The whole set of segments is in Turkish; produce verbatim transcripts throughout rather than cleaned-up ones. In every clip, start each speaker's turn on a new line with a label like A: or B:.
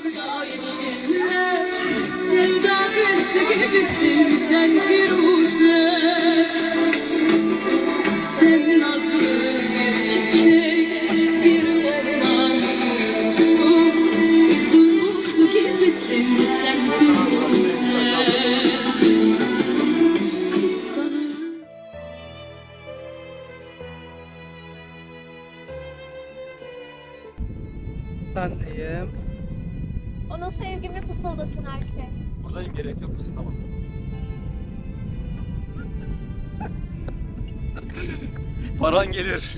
A: Sevda büyüsü gibisin sen Firuze. Sen nazlı bir çiçek, bir orman kurusu. Üzüm su gibisin sen Firuze.
B: Sendeyim.
C: Ona sevgimi fısıldasın her şey.
D: Buradayım, gerek yok musun? Tamam. Paran gelir.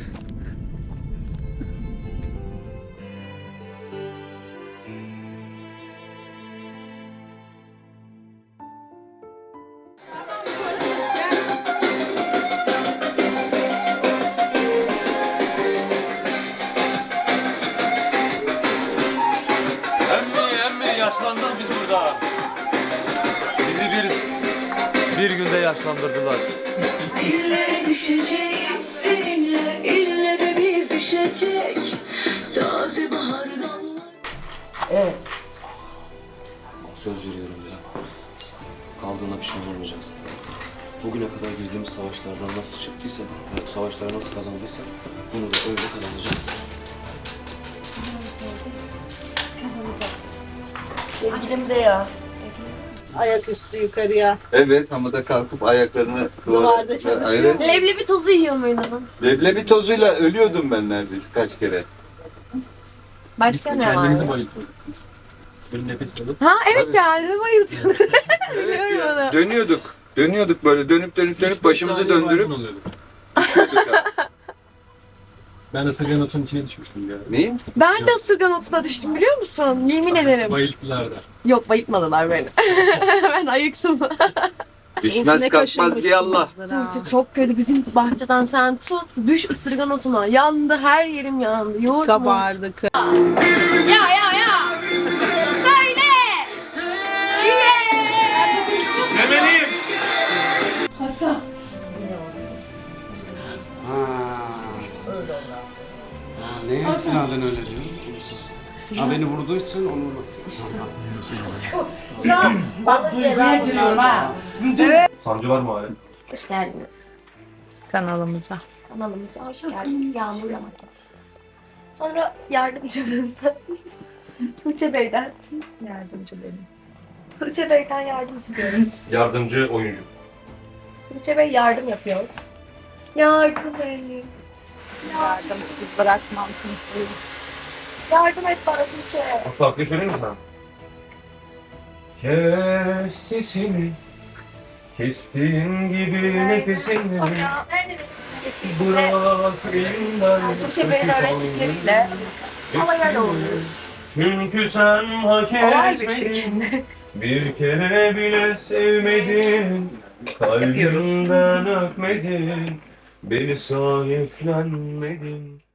D: Emmi emmi yaşlandık biz burada. Bizi bir bir günde yaşlandırdılar.
A: İlle düşeceğiz seninle, ille de biz düşecek. Taze bahar dallar.
E: Evet.
D: Söz veriyorum ya. Kaldığına pişman olmayacaksın. Bugüne kadar girdiğimiz savaşlardan nasıl çıktıysak, ve savaşları nasıl kazandıysak bunu da öyle kazanacağız.
E: Sevgilim de ya. Ayaküstü yukarıya.
F: Evet, ama da kalkıp ayaklarını
E: Duvarda çalışıyor.
F: Evet.
C: Leblebi tozu yiyor muydunuz?
F: Leblebi tozuyla ölüyordum ben neredeyse kaç kere.
C: Başka ne
D: Kendimizi
C: var?
D: bayılttık. Böyle nefes alıp.
C: Ha evet geldi bayıldım.
F: Evet
C: Biliyorum
F: ya,
C: onu.
F: dönüyorduk. Dönüyorduk böyle dönüp dönüp dönüp
D: üç beş
F: başımızı
D: saniye
F: döndürüp
D: maymun oluyorduk.
F: düşüyorduk abi.
D: Ben ısırgan otunun içine düşmüştüm ya.
F: Neyin?
C: Ben de ısırgan otuna düştüm biliyor musun? Yemin ederim.
D: Bayılttılar da.
C: Yok bayıtmadılar beni. Ben ayıktım.
F: Düşmez kalkmaz bir Allah.
C: Tuğçe çok kötü. Bizim bahçeden sen tut. Düş ısırgan otuna. Yandı her yerim yandı. Yoğurt
B: Kabardı.
C: Ya ya ya. Söyle. Söyle.
D: Emeliyim.
G: Neye istinaden öyle diyor? Ha beni vurduğu için onu
E: Bak duyguya giriyorum ha.
D: Sancı var mı hala?
C: Hoş geldiniz.
B: Kanalımıza.
C: Kanalımıza hoş geldiniz. Yağmur Yamak. Sonra yardımcımızdan Tuğçe Bey'den
B: Yardımcı benim.
C: Tuğçe Bey'den yardım istiyorum.
D: Yardımcı oyuncu.
C: Tuğçe Bey yardım yapıyor. Yardım edin.
B: Yardımsız bırakmam kimseyi.
C: Yardım et bana Tuğçe.
D: O şarkıyı söyleyeyim mi sana? Kes sesini, kestiğin gibi nefesini,
C: Sonra nerede benim
D: bırak elimden.
C: Tuğçe Bey'in öğrettikleriyle havaya doğru.
D: Çünkü sen hak
C: Kolay bir
D: etmedin,
C: şekilde.
D: bir kere bile sevmedin, kalbimden öpmedin, beni sahiplenmedin.